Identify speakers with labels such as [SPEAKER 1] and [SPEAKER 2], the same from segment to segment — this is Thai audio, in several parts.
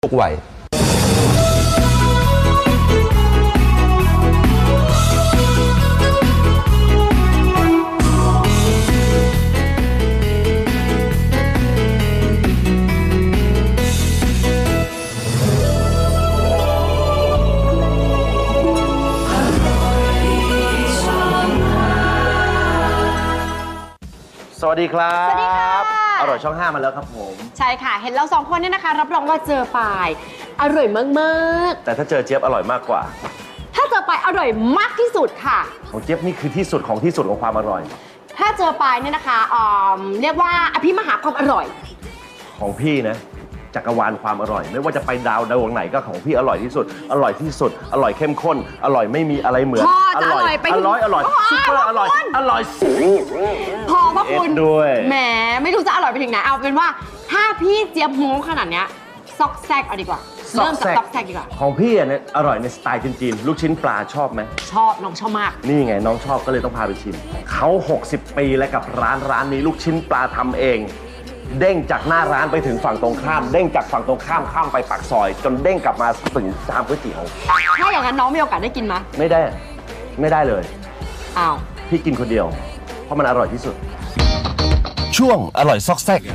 [SPEAKER 1] ทุกวัย
[SPEAKER 2] สวัสดีครับ
[SPEAKER 3] สวัสดีค่ะ
[SPEAKER 2] อร่อยช่อง 5มาแล้วครับผม
[SPEAKER 3] ใช่ค่ะ เห็นเราสองคนเนี่ยนะคะ รับรองว่าเจอปายอร่อยมาก
[SPEAKER 2] แต่ถ้าเจอเจี๊ยบอร่อยมากกว่า
[SPEAKER 3] ๆ ถ้าเจอปายอร่อยมากที่สุดค่ะ
[SPEAKER 2] ของเจี๊ยบนี่คือที่สุดของที่สุดของความอร่อย
[SPEAKER 3] ถ้าเจอปายเนี่ยนะคะเรียกว่าอภิมหาความอร่อย
[SPEAKER 2] ของพี่นะจักรวาลความอร่อย ไม่ว่าจะไปดาวดวงไหนก็ของพี่อร่อยที่สุด อร่อยที่สุด อร่อยเข้มข้น อร่อยไม่มีอะไรเหมือน
[SPEAKER 3] พอจะอร่อยไปถึง
[SPEAKER 2] อร่อย
[SPEAKER 3] พอ
[SPEAKER 2] ซุปเปอร์อร่อย
[SPEAKER 3] คุณ
[SPEAKER 2] อร่อยสุด
[SPEAKER 3] พอพระคุณ
[SPEAKER 2] ด้วย
[SPEAKER 3] แหมไม่รู้จะอร่อยไปถึงไหนเอาเป็นว่าถ้าพี่เจี๊ยบโม้ขนาดเนี้ยซอกแซกเอาดีกว่าเริ่มจากซอกแซกดีกว่า
[SPEAKER 2] ของพี่เนี่ยอร่อยในสไตล์จีนๆลูกชิ้นปลาชอบไหม
[SPEAKER 3] ชอบน้องชอบมาก
[SPEAKER 2] นี่ไงน้องชอบก็เลยต้องพาไปชิมเขา60 ปีแล้วกับร้านนี้ลูกชิ้นปลาทำเอง เด้งจากหน้าร้านไปถึงฝั่งตรงข้าม เด้งจากฝั่งตรงข้ามข้ามไปปากซอย จนเด้งกลับมาถึงชามก๋วยเตี๋ยว
[SPEAKER 3] ถ้าอย่างนั้นน้องมีโอกาสได้กินไหม
[SPEAKER 2] ไม่ได้เลย
[SPEAKER 3] อ้าว
[SPEAKER 2] พี่กินคนเดียว เพราะมันอร่อยที่สุด ช่วงอร่อยซอกแซก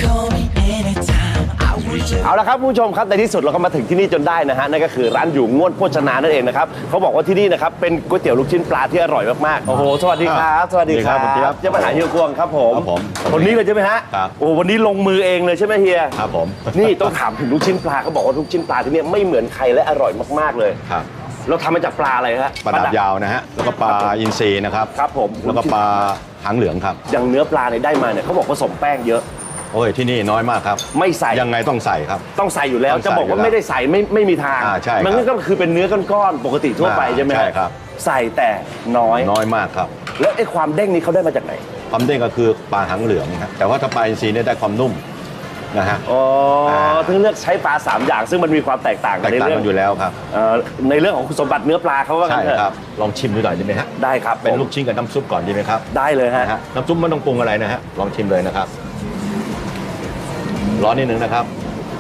[SPEAKER 2] เอาละครับคุณผู้ชมครับในที่สุดเราก็มาถึงที่นี่จนได้นะฮะนั่นก็คือร้านอยู่ง่วนโภชนานั่นเองนะครับเขาบอกว่าที่นี่นะครับเป็นก๋วยเตี๋ยวลูกชิ้นปลาที่อร่อยมากๆโอ้โหสวัสดีครับสวัสดีครับ
[SPEAKER 4] สวัสดีครับ
[SPEAKER 2] เจ้าปัญหาเฮียกวงครับผม
[SPEAKER 4] ครับผม
[SPEAKER 2] คนนี้เลยใช่ไหมฮะ
[SPEAKER 4] ครับ
[SPEAKER 2] โอ้วันนี้ลงมือเองเลยใช่ไหมเฮีย
[SPEAKER 4] ครับผม
[SPEAKER 2] นี่ต้องถามถึงลูกชิ้นปลาเขาบอกว่าลูกชิ้นปลาที่นี่ไม่เหมือนใครและอร่อยมากๆเลย
[SPEAKER 4] ครับ
[SPEAKER 2] เราทำมาจากปลาอะไรฮะ
[SPEAKER 4] ปลาดับยาวนะฮะ แล้วก็ปลาอินทรีนะครับ
[SPEAKER 2] ครับผม
[SPEAKER 4] แล้วก็ปลาหางเหลืองครับ
[SPEAKER 2] อย่างเนื้อปลาเนี่ยได้มาเนี่ยเขาบอกผสมแป้งเยอะ
[SPEAKER 4] โอ้ยที่นี่น้อยมากครับ
[SPEAKER 2] ไม่ใส่
[SPEAKER 4] ยังไงต้องใส่ครับ
[SPEAKER 2] ต้องใส่อยู่แล้ว
[SPEAKER 4] ต้องใส่
[SPEAKER 2] จะบอกว่า
[SPEAKER 4] อยู่แล้ว
[SPEAKER 2] ไม่ได้ใส่ไม่มีทาง
[SPEAKER 4] ใช่ครับ
[SPEAKER 2] มันก็คือเป็นเนื้อก้อนๆปกติทั่วไปใช่ไหม
[SPEAKER 4] ใช่ครับ
[SPEAKER 2] ใส่แต่น้อย
[SPEAKER 4] น้อยมากครับ
[SPEAKER 2] แล้วไอ้ความเด้งนี้เขาได้มาจากไหน
[SPEAKER 4] ความเด้งก็คือปลาหางเหลืองครับแต่ว่าถ้าปลาอินทรีเนี่ยได้ความนุ่มนะฮะ
[SPEAKER 2] อ๋อถึงเลือกใช้ปลา3อย่างซึ่งมันมีความแตกต่าง
[SPEAKER 4] แต
[SPEAKER 2] กัน
[SPEAKER 4] ก
[SPEAKER 2] ใน
[SPEAKER 4] ต่าง
[SPEAKER 2] เรื่อ
[SPEAKER 4] กั
[SPEAKER 2] ง
[SPEAKER 4] นอยู่แล้วครับ
[SPEAKER 2] ในเรื่องของคุณสมบัติเนื้อปลาเขาว่ากั
[SPEAKER 4] ใช่
[SPEAKER 2] นเถอะ
[SPEAKER 4] ครับ ลองชิมดูหน่อยได้ไหมฮะ
[SPEAKER 2] ได้ครับ
[SPEAKER 4] เป็นลูก
[SPEAKER 2] ผม
[SPEAKER 4] ชิ้นกับน้ำซุปก่อนดีไหมครับ
[SPEAKER 2] ได้เลยฮะ
[SPEAKER 4] นะฮะน้ำซุปไม่ต้องปรุงอะไรนะฮะ ลองชิมเลยนะครับ ร้อนนิดนึงนะครับ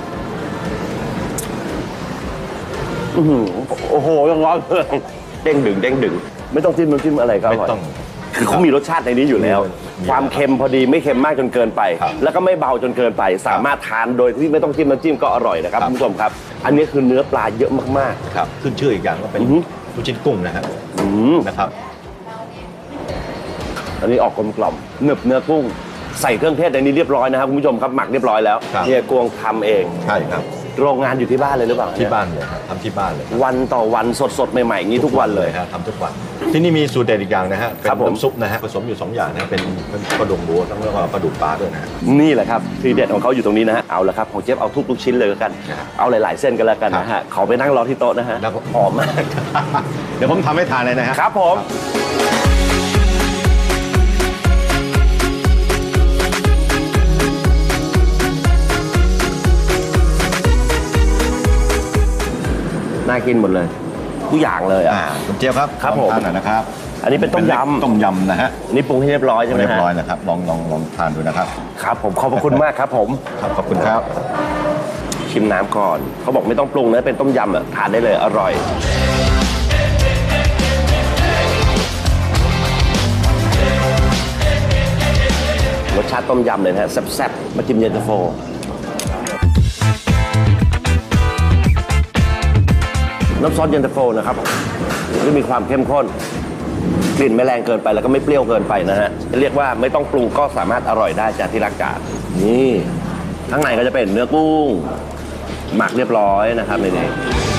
[SPEAKER 2] อื้อหือโอ้โหยังร้อนเลยเด้งดึงไม่ต้องจิ้มน้ำจิ้มอะไรก็อร่อย
[SPEAKER 4] ไม่ต้อง
[SPEAKER 2] คือเขามีรสชาติในนี้อยู่แล้ว
[SPEAKER 4] มี
[SPEAKER 2] ความเค็มพอดีไม่เค็มมากจนเกินไป
[SPEAKER 4] ครับ
[SPEAKER 2] แล้วก็ไม่เบาจนเกินไป สามารถทานโดยที่ไม่ต้องจิ้มน้ำจิ้มก็อร่อยนะครับ
[SPEAKER 4] ครับ
[SPEAKER 2] คุณผู้ชมครับ อันนี้คือเนื้อปลาเยอะมาก
[SPEAKER 4] ครับ ขึ้นชื่ออีกอย่างก็เป็น
[SPEAKER 2] อือฮึ
[SPEAKER 4] ลูกชิ้นกุ้งนะฮะ
[SPEAKER 2] ๆอืม
[SPEAKER 4] นะครับ
[SPEAKER 2] อันนี้ออกกลมๆหนึบเนื้อกุ้ง ใส่เครื่องเทศในนี้เรียบร้อยนะครับคุณผู้ชมครับหมักเรียบร้อยแล้ว
[SPEAKER 4] ครับ
[SPEAKER 2] เฮียกวงทำเอง
[SPEAKER 4] ใช่ครับ
[SPEAKER 2] โรงงานอยู่ที่บ้านเลยหรือเปล่า
[SPEAKER 4] ที่บ้านเลยครับทำที่บ้านเลย
[SPEAKER 2] วันต่อวันสดๆใหม่ๆอย่างนี้ทุกวันเลย
[SPEAKER 4] ฮะทำทุกวัน ที่นี่มีสูตรเด็ดอีกอย่างนะฮะ เป็น
[SPEAKER 2] ครับผม
[SPEAKER 4] น้ำซุปนะฮะผสมอยู่ 2 อย่างนะเป็นกระดูกหมูแล้วก็กระดูกปลาด้วยนะฮะ
[SPEAKER 2] นี่แหละครับทีเด็ดของเขาอยู่ตรงนี้นะฮะเอาละครับของเจฟเอาทุกชิ้นเลยแล้วกัน
[SPEAKER 4] ครับ
[SPEAKER 2] เอาหลายๆเส้นกันแล้วกันนะฮะขอไปนั่งรอที่โต๊ะนะฮะ
[SPEAKER 4] แล้วก็
[SPEAKER 2] หอมมาก
[SPEAKER 4] เดี๋ยวผมทำให้ทานเลยนะฮะ
[SPEAKER 2] ครับผม น่ากินหมดเลยทุกอย่างเลยอ่ะ
[SPEAKER 4] คุณเจี๊ยบครับ
[SPEAKER 2] ครับ
[SPEAKER 4] ลอง
[SPEAKER 2] ผม
[SPEAKER 4] ทานหน่อยนะครับ
[SPEAKER 2] อันนี้เป็นต้มยำ
[SPEAKER 4] ต้มยำนะฮะ
[SPEAKER 2] อันนี้ปรุงให้เรียบร้อยใช่ไหม
[SPEAKER 4] เรียบ
[SPEAKER 2] ฮะ
[SPEAKER 4] ร้อยนะครับลองทานดูนะครับ
[SPEAKER 2] ครับผมขอบพระคุณมากครับผม
[SPEAKER 4] ครับขอบคุณครับ
[SPEAKER 2] ชิมน้ำก่อนเขาบอกไม่ต้องปรุงนะเป็นต้มยำอ่ะทานได้เลยอร่อยรสชาติต้มยำเลยนะฮะแซ่บๆมาจิ้มเย็นตาโฟน้ำซอสเย็นตาโฟนะครับจะมีความเข้มข้นกลิ่นไม่แรงเกินไปแล้วก็ไม่เปรี้ยวเกินไปนะฮะเรียกว่าไม่ต้องปรุงก็สามารถอร่อยได้จากที่รักกาดนี่ข้างในก็จะเป็นเนื้อกุ้งหมักเรียบร้อยนะครับในนี้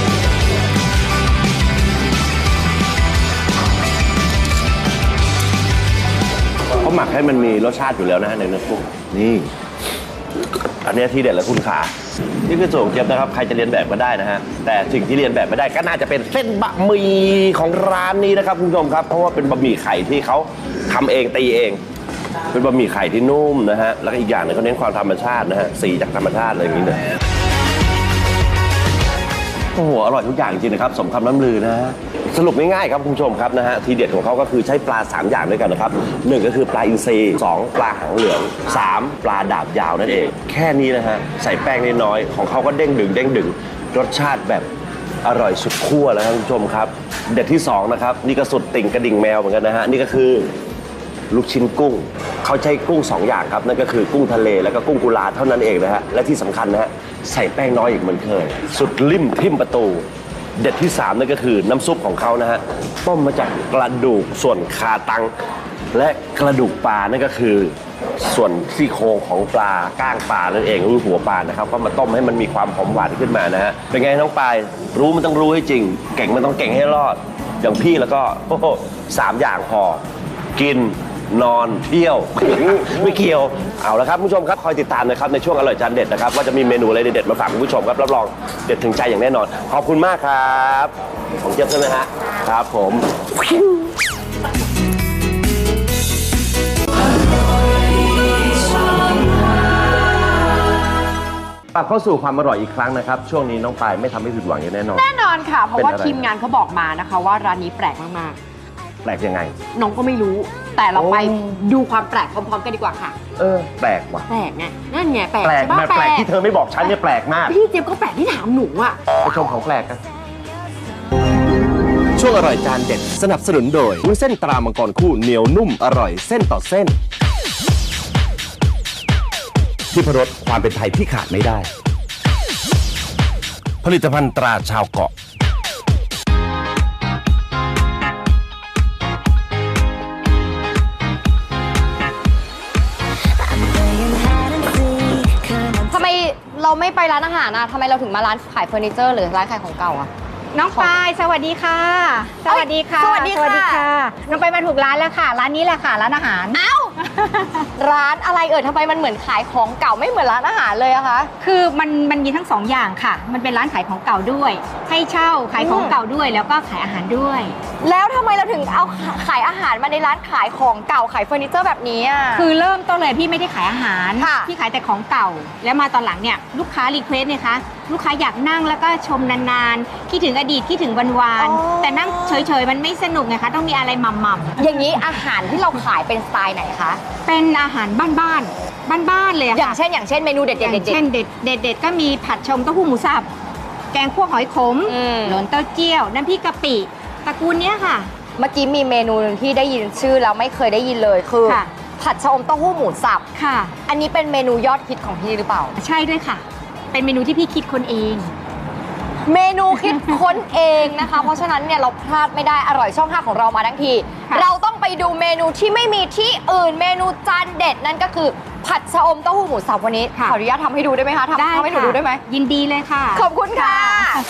[SPEAKER 2] เขาหมักให้มันมีรสชาติอยู่แล้วนะฮะในเนื้อกุ้งนี่อันนี้ที่เด็ดแล้วคุณขานี่คือส่วนของเจี๊ยบนะครับใครจะเรียนแบบก็ได้นะฮะแต่สิ่งที่เรียนแบบไม่ได้ก็น่าจะเป็นเส้นบะหมี่ของร้านนี้นะครับคุณผู้ชมครับเพราะว่าเป็นบะหมี่ไข่ที่เขาทำเองตีเอง เป็นบะหมี่ไข่ที่นุ่มนะฮะแล้วก็อีกอย่างหนึงเขาเน้นความธรรมชาตินะฮะสีจากธรรมชาติอะไรอย่างนี้เลยโอ้โหอร่อยทุกอย่างจริงนะครับสมคำน้ำลือนะฮะสรุปง่ายๆครับคุณผู้ชมครับนะฮะทีเด็ดของเขาก็คือใช้ปลา3อย่างด้วยกันนะครับ1ก็คือปลาอินทรี2ปลาหางเหลือง3ปลาดาบยาวนั่นเองแค่นี้นะฮะใส่แป้งน้อยๆของเขาก็เด้งดึงรสชาติแบบอร่อยสุดขั้วแล้วครับคุณผู้ชมครับเด็ดที่2นะครับนี่ก็สุดติ่งกระดิ่งแมวเหมือนกันนะฮะนี่ก็คือลูกชิ้นกุ้งเขาใช้กุ้ง2อย่างครับนั่นก็คือกุ้งทะเลแล้วก็กุ้งกุลาเท่านั้นเองนะฮะและที่สำคัญนะฮะใส่แป้งน้อยอีกเหมือนเคยสุดลิ่มทิ่มประตูเด็ดที่3นั่นก็คือน้ำซุปของเขานะฮะต้มมาจากกระดูกส่วนคาตังและกระดูกปลานั่นก็คือส่วนซี่โครงของปลาก้างปลานั่นเองหรือหัวปลานะครับก็มาต้มให้มันมีความหอมหวานขึ้นมานะฮะเป็นไงน้องปายรู้มันต้องรู้ให้จริงเก่งมันต้องเก่งให้รอดอย่างพี่แล้วก็โอ้โห3อย่างพอกินนอนเที่ยวไม่เกี่ยวเอาละครับคุณผู้ชมครับคอยติดตามนะครับในช่วงอร่อยจานเด็ดนะครับว่าจะมีเมนูอะไรเด็ดๆมาฝากคุณผู้ชมครับรับรองเด็ดถึงใจอย่างแน่นอนขอบคุณมากครับของเจี๊ยบใช่ไหมฮะครับผมกลับเข้าสู่ความอร่อยอีกครั้งนะครับช่วงนี้น้องปายไม่ทำให้ผิดหวังอย่างแน่นอน
[SPEAKER 3] แน่นอนค่ะ เพราะว่า
[SPEAKER 2] เป็นอะไร
[SPEAKER 3] ทีมงานเขาบอกมานะคะว่าร้านนี้แปลกมาก
[SPEAKER 2] แปลกยังไง
[SPEAKER 3] ๆน้องก็ไม่รู้ แต่เราไปดูความแปลกพร้อมๆกันดีกว่าค่ะ
[SPEAKER 2] แปลกว่ะ
[SPEAKER 3] แปลกไงนั่นไงแปลก
[SPEAKER 2] แปลก
[SPEAKER 3] ใช่ปะ
[SPEAKER 2] แปลกที่เธอไม่บอกฉันเนี่ยแปลกมาก
[SPEAKER 3] พี่เจี๊ยบก็แปลกที่ถามหนูอะ
[SPEAKER 2] ไปชมของแปลกกัน
[SPEAKER 1] ช่วงอร่อยจานเด็ดสนับสนุนโดยวุ้นเส้นตรามังกรคู่เหนียวนุ่มอร่อยเส้นต่อเส้นที่พรสความเป็นไทยที่ขาดไม่ได้ ผลิตภัณฑ์ตราชาวเกาะ
[SPEAKER 5] ทำไมเราไม่ไปร้านอาหารอะทำไมเราถึงมาร้านขายเฟอร์นิเจอร์หรือร้านขายของเก่าอะ
[SPEAKER 6] น้องปายสวัสดีค่ะ สวัสดีค่ะ
[SPEAKER 5] สวัสดีค่ะ
[SPEAKER 6] น้องปายมาถูกร้านแล้วค่ะ ร้านนี้แหละค่ะ ร้านอาหาร
[SPEAKER 5] เอ้า ร้านอะไรทำไมมันเหมือนขายของเก่าไม่เหมือนร้านอาหารเลยอะคะ
[SPEAKER 6] คือมันมีทั้งสองอย่างค่ะ มันเป็นร้านขายของเก่าด้วย ให้เช่าขายของเก่าด้วย แล้วก็ขายอาหารด้วย
[SPEAKER 5] แล้วทำไมเราถึงเอาขายอาหารมาในร้านขายของเก่าขายเฟอร์นิเจอร์แบบนี้อะ
[SPEAKER 6] คือเริ่มต้นเลยพี่ไม่ได้ขายอาหาร
[SPEAKER 5] ค่ะ
[SPEAKER 6] พี่ขายแต่ของเก่า แล้วมาตอนหลังเนี่ยลูกค้ารีเควสเนี่ยคะลูกค้าอยากนั่งแล้วก็ชมนานๆคิดถึงอดีตคิดถึงวันๆแต่นั่งเฉยๆมันไม่สนุกไงคะต้องมีอะไรหม่ำๆ
[SPEAKER 5] อย่างนี้อาหารที่เราขายเป็นสไตล์ไหนคะ
[SPEAKER 6] เป็นอาหารบ้านๆเลยอะ
[SPEAKER 5] อย่าง
[SPEAKER 6] ค่ะ
[SPEAKER 5] เช่นเมนูเด็ด
[SPEAKER 6] อย่างเช่นเด็ดก็มีผัดชมเต้าหู้หมูสับแกงคั่วหอยขม
[SPEAKER 5] อืม
[SPEAKER 6] หลนเต้าเจี้ยวน้ำพริกกะปิตระกูลเนี้ยค่ะ
[SPEAKER 5] เมื่อกี้มีเมนูหนึงที่ได้ยินชื่อแล้วไม่เคยได้ยินเลยคือ
[SPEAKER 6] ค่ะ
[SPEAKER 5] ผัดชะอมเต้าหู้หมูสับ
[SPEAKER 6] ค่ะ
[SPEAKER 5] อันนี้เป็นเมนูยอดฮิตของพี่หรือเปล่า
[SPEAKER 6] ใช่ด้วยค่ะ เป็นเมนูที่พี่คิดคนเอง
[SPEAKER 5] เมนูคิดค้นเองนะคะ เพราะฉะนั้นเนี่ยเราพลาดไม่ได้อร่อยช่อง 5 ของเรามาทั้งที
[SPEAKER 6] ค่ะ
[SPEAKER 5] เราต้องไปดูเมนูที่ไม่มีที่อื่นเมนูจานเด็ดนั่นก็คือผัดชะอมเต้าหู้หมูสับวันนี้ขออนุญาตทำให้ดูได้ไหมคะทำให้หนูดูได้ไหม
[SPEAKER 6] ยินดีเลยค่ะ
[SPEAKER 5] ขอบคุณค่ะ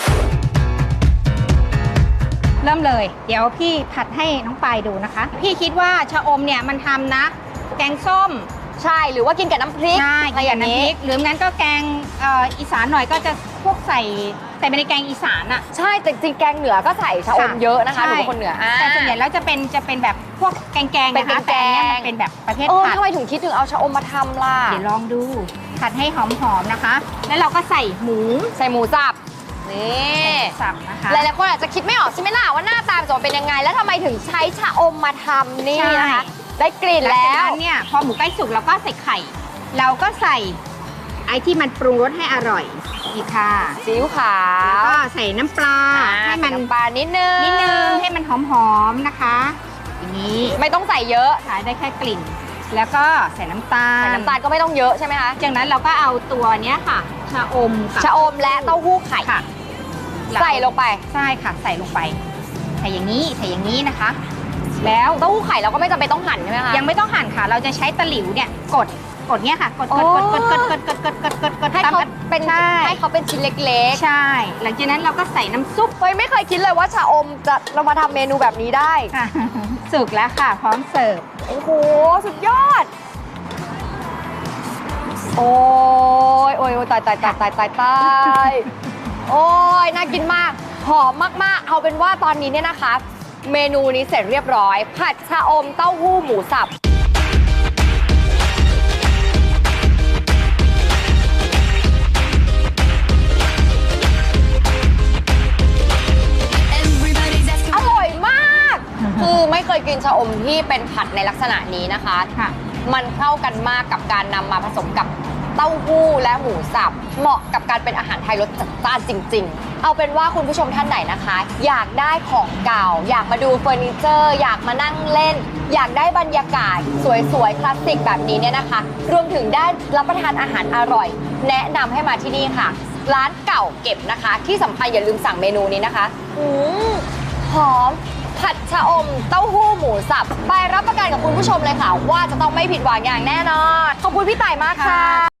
[SPEAKER 6] เริ่มเลย เดี๋ยวพี่ผัดให้น้องปายดูนะคะ พี่คิดว่าชะอมเนี่ยมันทำนะ แกงส้ม
[SPEAKER 5] ใช่หรือว่ากินกับน้ำพริก
[SPEAKER 6] ใช่
[SPEAKER 5] อะไรอย่าง
[SPEAKER 6] น้ำพ
[SPEAKER 5] นี้
[SPEAKER 6] ริกหรืองั้นก็แกงอีสานหน่อยก็จะพวกใส่แต่ไม่ได้แกงอีสานอะ
[SPEAKER 5] ใช่แต่จริงๆแกงเหนือก็ใส่ชะอมเยอะนะคะหนูเป็นคนเหนือ
[SPEAKER 6] แต่ส่วนใหญ่แล้วจะเป็นแบบพวกแกงๆ
[SPEAKER 5] เป็น
[SPEAKER 6] นะคะ
[SPEAKER 5] แก
[SPEAKER 6] แต่
[SPEAKER 5] ง
[SPEAKER 6] อันเนี้ยมันเป็นแบบประเภท ผัด
[SPEAKER 5] ทำไมถึงคิดถึงเอาชะอมมาทำล่ะ
[SPEAKER 6] เดี๋ยวลองดูผัดให้หอมๆนะคะ แล้วเราก็ใส่หมู
[SPEAKER 5] ใส่หมูสับนี่
[SPEAKER 6] สับนะคะ
[SPEAKER 5] หลายๆคนอาจจะคิดไม่ออกใช่ไหมล่ะว่าหน้าตาจะเป็นยังไง แล้วทำไมถึงใช้ชะอมมาทำนี่นะคะ ได้กลิ่น
[SPEAKER 6] หลัง
[SPEAKER 5] แล้
[SPEAKER 6] จาก
[SPEAKER 5] ว
[SPEAKER 6] นั้นเนี่ยพอหมูใกล้สุกเราก็ใส่ไข่ เราก็ใส่ไอ้ที่มันปรุงรสให้อร่อยนี่ค่ะ
[SPEAKER 5] ซีอิ๊วขา
[SPEAKER 6] แล้ว
[SPEAKER 5] ว
[SPEAKER 6] ก็ใส่น้ำปลาให้มัน
[SPEAKER 5] ใส่น้ำปลานิดนึง
[SPEAKER 6] ให้มันหอมๆนะคะ อย่างนี้
[SPEAKER 5] ไม่ต้องใส่เยอะ
[SPEAKER 6] ขายได้แค่กลิ่น แล้วก็ใส่น้ำตาล
[SPEAKER 5] ใส่น้ำตาลก็ไม่ต้องเยอะใช่ไหมคะ
[SPEAKER 6] จากนั้นเราก็เอาตัวเนี้ยค่ะชะอมกับ
[SPEAKER 5] ชะอมและเต้าหู้ไข่
[SPEAKER 6] ค่ะ
[SPEAKER 5] ใส่ลงไป
[SPEAKER 6] ใช่ค่ะ ใส่ลงไป ใส่อย่างนี้นะคะ แล้ว
[SPEAKER 5] เต้าหู้ไข่เราก็ไม่จำเป็นต้องหั่นใช่ไหมคะ
[SPEAKER 6] ยังไม่ต้องหั่นค่ะ เราจะใช้ตะหลิวเนี่ยกดเนี้ยค่ะ กด
[SPEAKER 5] อ๋อ ให้
[SPEAKER 6] ตาม
[SPEAKER 5] เขา
[SPEAKER 6] กัน
[SPEAKER 5] เป็น
[SPEAKER 6] ใช่
[SPEAKER 5] ให้เขาเป็นชิ้นเล็ก
[SPEAKER 6] ใช่ หลังจากนั้นเราก็ใส่น้ำซุป
[SPEAKER 5] ๆเฮ้ยไม่เคยคิดเลยว่าชะอมจะเรามาทำเมนูแบบนี้ได้
[SPEAKER 6] ค่ะ สุกแล้วค่ะ พร้อมเสิร์ฟ
[SPEAKER 5] โอ้โห สุดยอด โอ้ยตายโอ้ยน่ากินมาก หอมมากๆ เอาเป็นว่าตอนนี้เนี่ยนะคะ เมนูนี้เสร็จเรียบร้อย ผัดชะอมเต้าหู้หมูสับกินชะอมที่เป็นผัดในลักษณะนี้นะคะ
[SPEAKER 6] ค่ะ
[SPEAKER 5] มันเข้ากันมากกับการนำมาผสมกับเต้าหู้และหมูสับเหมาะกับการเป็นอาหารไทยรสจัดจ้านจริง ๆ เอาเป็นว่าคุณผู้ชมท่านไหนนะคะ อยากได้ของเก่า อยากมาดูเฟอร์นิเจอร์ อยากมานั่งเล่น อยากได้บรรยากาศสวยๆคลาสสิกแบบนี้เนี่ยนะคะ รวมถึงได้รับประทานอาหารอร่อย แนะนำให้มาที่นี่ค่ะ ร้านเก่าเก็บนะคะ ที่สำคัญอย่าลืมสั่งเมนูนี้นะคะหอมผัดชะอมเต้าหู้หมูสับไปรับประกันกับคุณผู้ชมเลยค่ะ ว่าจะต้องไม่ผิดหวังอย่างแน่นอนขอบคุณพี่ต่ายมากค่ะ